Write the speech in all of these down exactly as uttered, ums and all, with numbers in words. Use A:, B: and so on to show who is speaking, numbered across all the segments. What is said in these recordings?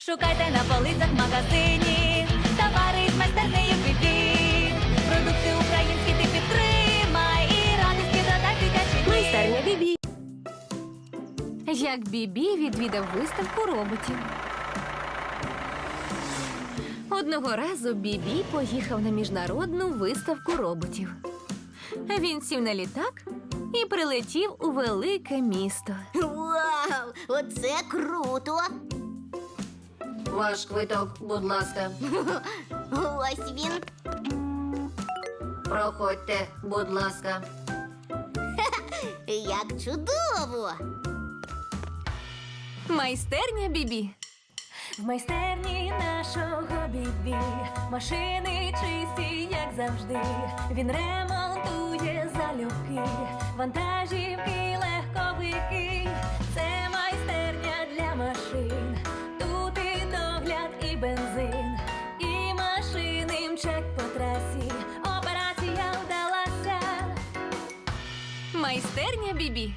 A: Шукайте на полицях в магазині товари з майстернею Бібі. Продукти українські ти підтримай і радості додай дитячий.
B: Майстерня Бібі.
C: Як Бібі відвідав виставку роботів. Одного разу Бібі поїхав на міжнародну виставку роботів. Він сів на літак і прилетів у велике місто.
B: Вау! Оце круто!
C: Ваш квиток, будь ласка.
B: Ось він.
C: Проходьте, будь ласка.
B: Як чудово!
C: Майстерня Бібі.
A: В майстерні нашого Бібі машини чисті, як завжди. Він ремонтує залюбки, вантажівки, легковики. Це майстерня для машин. Тут і догляд, і бензин, і машини мчать по трасі. Операція вдалася.
C: Майстерня Бібі.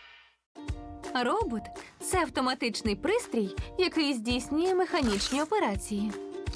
C: Робот – це автоматичний пристрій, який здійснює механічні операції.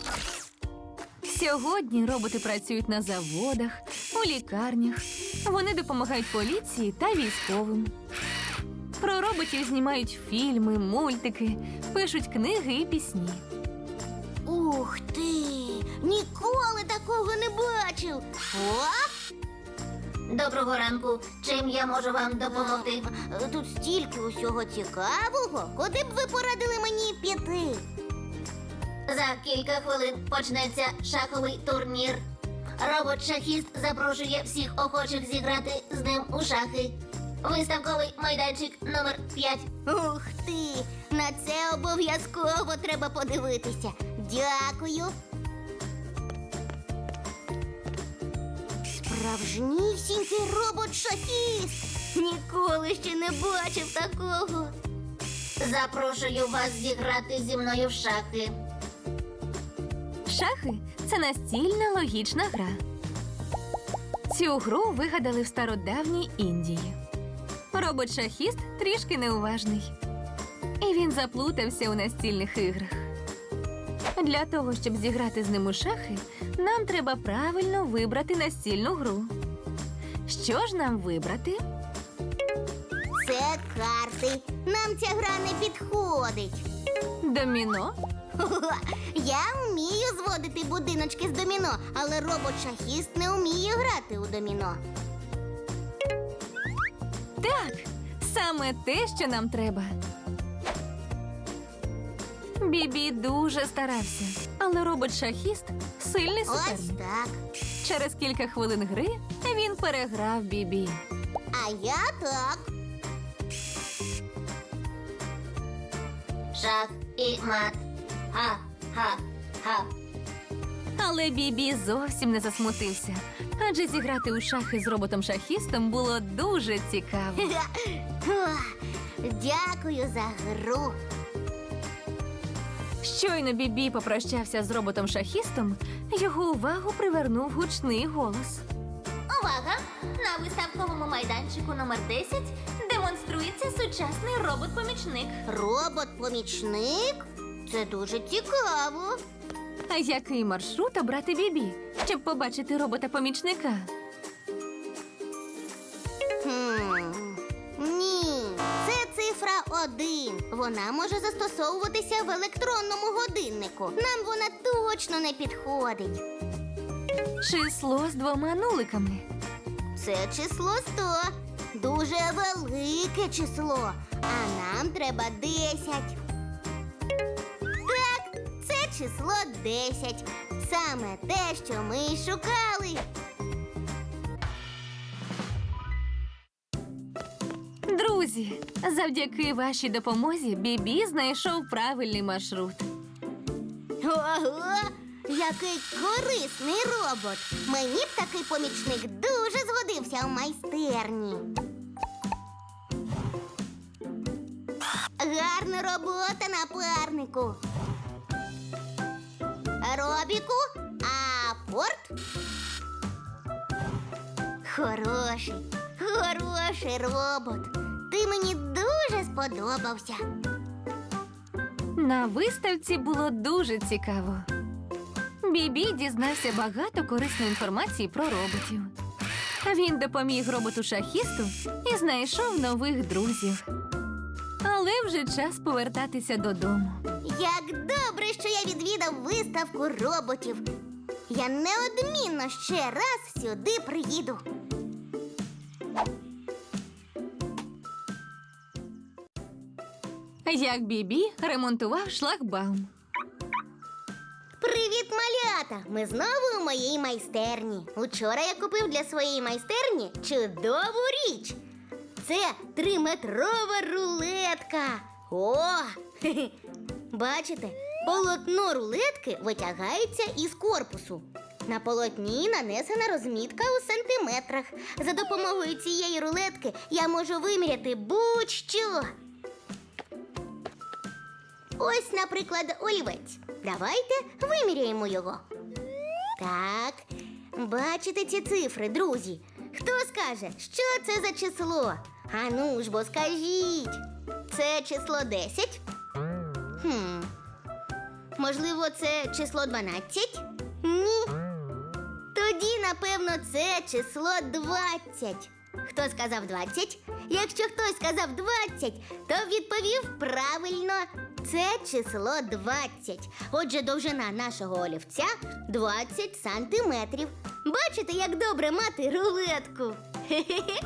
C: Сьогодні роботи працюють на заводах, у лікарнях. Вони допомагають поліції та військовим. Про роботів знімають фільми, мультики, пишуть книги і пісні.
B: Ух ти! Ніколи такого не бачив! О!
D: Доброго ранку. Чим я можу вам допомогти?
B: Тут стільки усього цікавого. Куди б ви порадили мені піти?
D: За кілька хвилин почнеться шаховий турнір. Робот-шахіст запрошує всіх охочих зіграти з ним у шахи. Виставковий майданчик номер п'ять.
B: Ух ти! На це обов'язково треба подивитися. Дякую. Справжнісінький робот-шахіст! Ніколи ще не бачив такого.
D: Запрошую вас зіграти зі мною в шахи.
C: Шахи – це настільна логічна гра. Цю гру вигадали в стародавній Індії. Робот-шахіст трішки неуважний. І він заплутався у настільних іграх. Для того, щоб зіграти з ним у шахи, нам треба правильно вибрати настільну гру. Що ж нам вибрати?
B: Це карти. Нам ця гра не підходить.
C: Доміно?
B: Хо-хо. Я вмію зводити будиночки з доміно, але робот-шахіст не вміє грати у доміно.
C: Так, саме те, що нам треба. Бібі дуже старався, але робот-шахіст – сильний
B: Ось
C: суперник.
B: так.
C: Через кілька хвилин гри він переграв Бібі.
B: А я так.
D: Шах і мат. Ха-ха-ха.
C: Але Бібі зовсім не засмутився, адже зіграти у шахи з роботом-шахістом було дуже цікаво.
B: Ох, Дякую за гру.
C: Щойно Бібі попрощався з роботом-шахістом, його увагу привернув гучний голос.
D: Увага! На виставковому майданчику номер десять демонструється сучасний робот-помічник.
B: Робот-помічник? Це дуже цікаво.
C: А який маршрут обрати Бібі, щоб побачити робота-помічника?
B: Хм. Ні, це цифра один. Вона може застосовуватися в електронному годиннику. Нам вона точно не підходить.
C: Число з двома нуликами.
B: Це число сто. Дуже велике число. А нам треба десять. Так, це число десять. Саме те, що ми й шукали.
C: Друзі, завдяки вашій допомозі Бібі знайшов правильний маршрут.
B: Ого! Який корисний робот! Мені б такий помічник дуже згодився в майстерні. Гарна робота, напарнику. Робіку, а порт? Хороший, хороший робот. Ти мені дуже сподобався.
C: На виставці було дуже цікаво. Бібі дізнався багато корисної інформації про роботів. Він допоміг роботу-шахісту і знайшов нових друзів. Але вже час повертатися додому.
B: Як добре, що я відвідав виставку роботів. Я неодмінно ще раз сюди приїду.
C: Як Бібі ремонтував шлагбаум.
B: Привіт, малята! Ми знову у моїй майстерні. Учора я купив для своєї майстерні чудову річ. Це триметрова рулетка. О! Хе-хе. Бачите, полотно рулетки витягається із корпусу. На полотні нанесена розмітка у сантиметрах. За допомогою цієї рулетки я можу виміряти будь-що. Ось, наприклад, олівець. Давайте виміряємо його. Так, бачите ці цифри, друзі? Хто скаже, що це за число? А ну ж бо скажіть. Це число десять? Хм. Можливо, це число дванадцять? Ні. Тоді, напевно, це число двадцять. Хто сказав двадцять? Якщо хтось сказав двадцять, то відповів правильно. Це число двадцять. Отже, довжина нашого олівця двадцять сантиметрів. Бачите, як добре мати рулетку? Хе-хе-хе.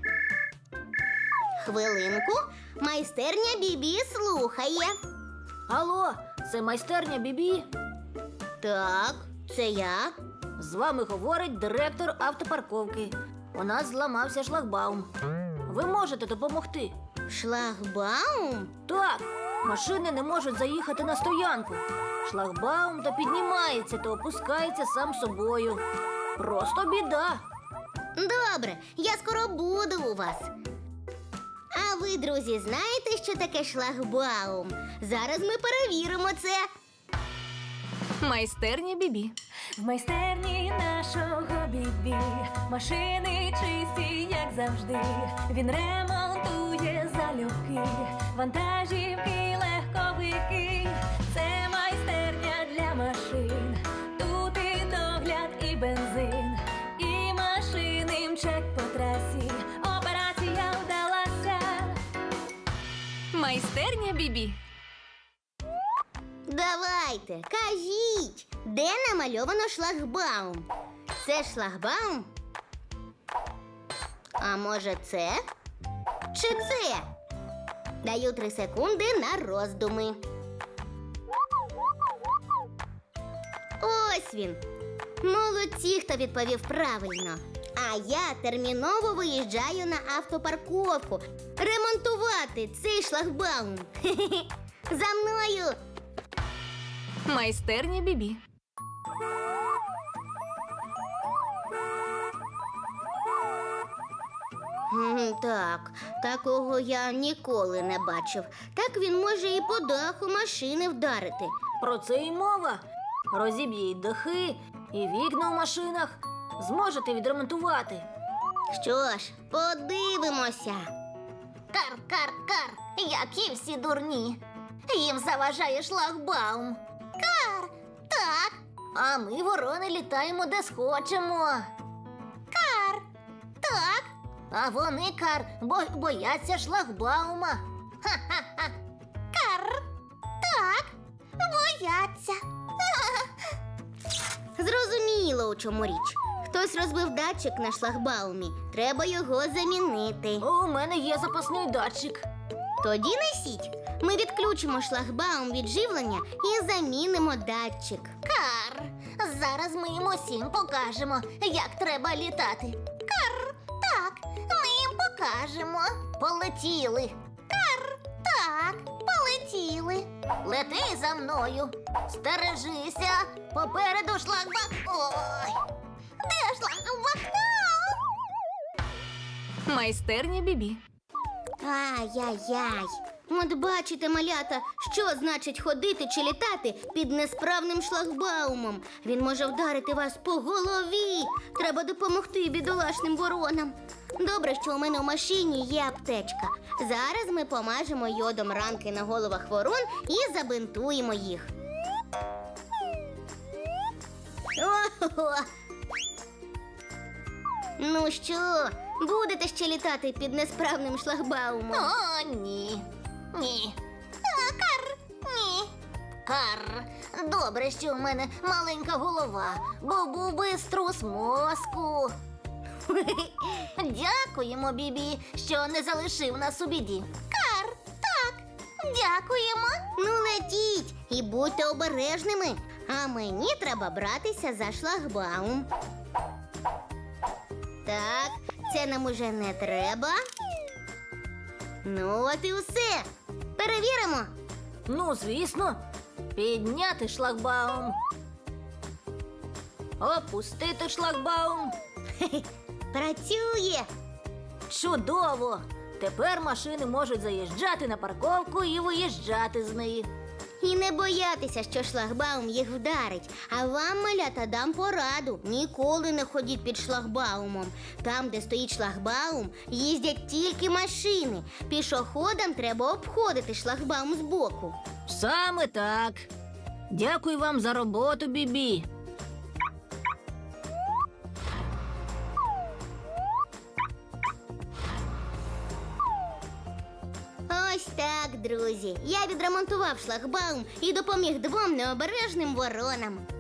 B: Хвилинку. Майстерня Бібі слухає.
E: Алло, це майстерня Бібі.
B: Так, це я.
E: З вами говорить директор автопарковки. У нас зламався шлагбаум. Ви можете допомогти?
B: Шлагбаум?
E: Так, машини не можуть заїхати на стоянку. Шлагбаум то піднімається, то опускається сам собою. Просто біда.
B: Добре, я скоро буду у вас. А ви, друзі, знаєте, що таке шлагбаум? Зараз ми перевіримо це.
C: Майстерня Бібі.
A: В майстерні нашого Бібі машини чисті, як завжди. Він ремонтує залюбки, вантажівки, легковики. Це майстерня для машин. Тут і догляд, і бензин, і машини мчать по трасі. Операція вдалася.
C: Майстерня Бібі.
B: Давайте, кажіть, де намальовано шлагбаум? Це шлагбаум? А може це? Чи це? Даю три секунди на роздуми. Ось він. Молодці, хто відповів правильно. А я терміново виїжджаю на автопарковку ремонтувати цей шлагбаум. Хе-хе-хе. За мною!
C: Майстерня Бібі.
B: М, Так, такого я ніколи не бачив. Так він може і по даху машини вдарити.
E: Про це і мова. Розіб'є й дахи, і вікна в машинах. Зможете відремонтувати.
B: Що ж, подивимося.
D: Кар, кар, кар, які всі дурні. Їм заважає шлагбаум. Кар, так. А ми, ворони, літаємо де схочемо. Кар, так. А вони, кар, бо бояться шлагбаума. Ха-ха-ха. Кар, так. Бояться.
B: Зрозуміло, у чому річ. Хтось розбив датчик на шлагбаумі. Треба його замінити.
E: У мене є запасний датчик.
B: Тоді несіть. Ми відключимо шлагбаум від живлення і замінимо датчик.
D: Кар, зараз ми їм усім покажемо, як треба літати. Кар, так, ми їм покажемо. Полетіли. Кар, так, полетіли. Лети за мною. Стережися. Попереду шлагбаум. Ой, де шлагбаум?
C: Майстерня Бібі.
B: Ай-яй-яй. От бачите, малята, що значить ходити чи літати під несправним шлагбаумом. Він може вдарити вас по голові. Треба допомогти бідолашним воронам. Добре, що у мене в машині є аптечка. Зараз ми помажемо йодом ранки на головах ворон і забинтуємо їх. Ого! Ну що, будете ще літати під несправним шлагбаумом?
D: О, ні. Ні. А, кар. Ні. Кар. Добре, що у мене маленька голова, бо був би струс мозку. Дякуємо, Бібі, що не залишив нас у біді. Кар, так, дякуємо.
B: Ну, летіть і будьте обережними. А мені треба братися за шлагбаум. Так, це нам уже не треба. Ну, от і все. Перевіримо.
E: Ну, звісно, підняти шлагбаум. Опустити шлагбаум.
B: Працює.
E: Чудово! Тепер машини можуть заїжджати на парковку і виїжджати з неї.
B: І не боятися, що шлагбаум їх вдарить. А вам, малята, дам пораду. Ніколи не ходіть під шлагбаумом. Там, де стоїть шлагбаум, їздять тільки машини. Пішоходам треба обходити шлагбаум збоку.
E: Саме так. Дякую вам за роботу, Бібі.
B: Ось так, друзі. Я відремонтував шлагбаум і допоміг двом необережним воронам.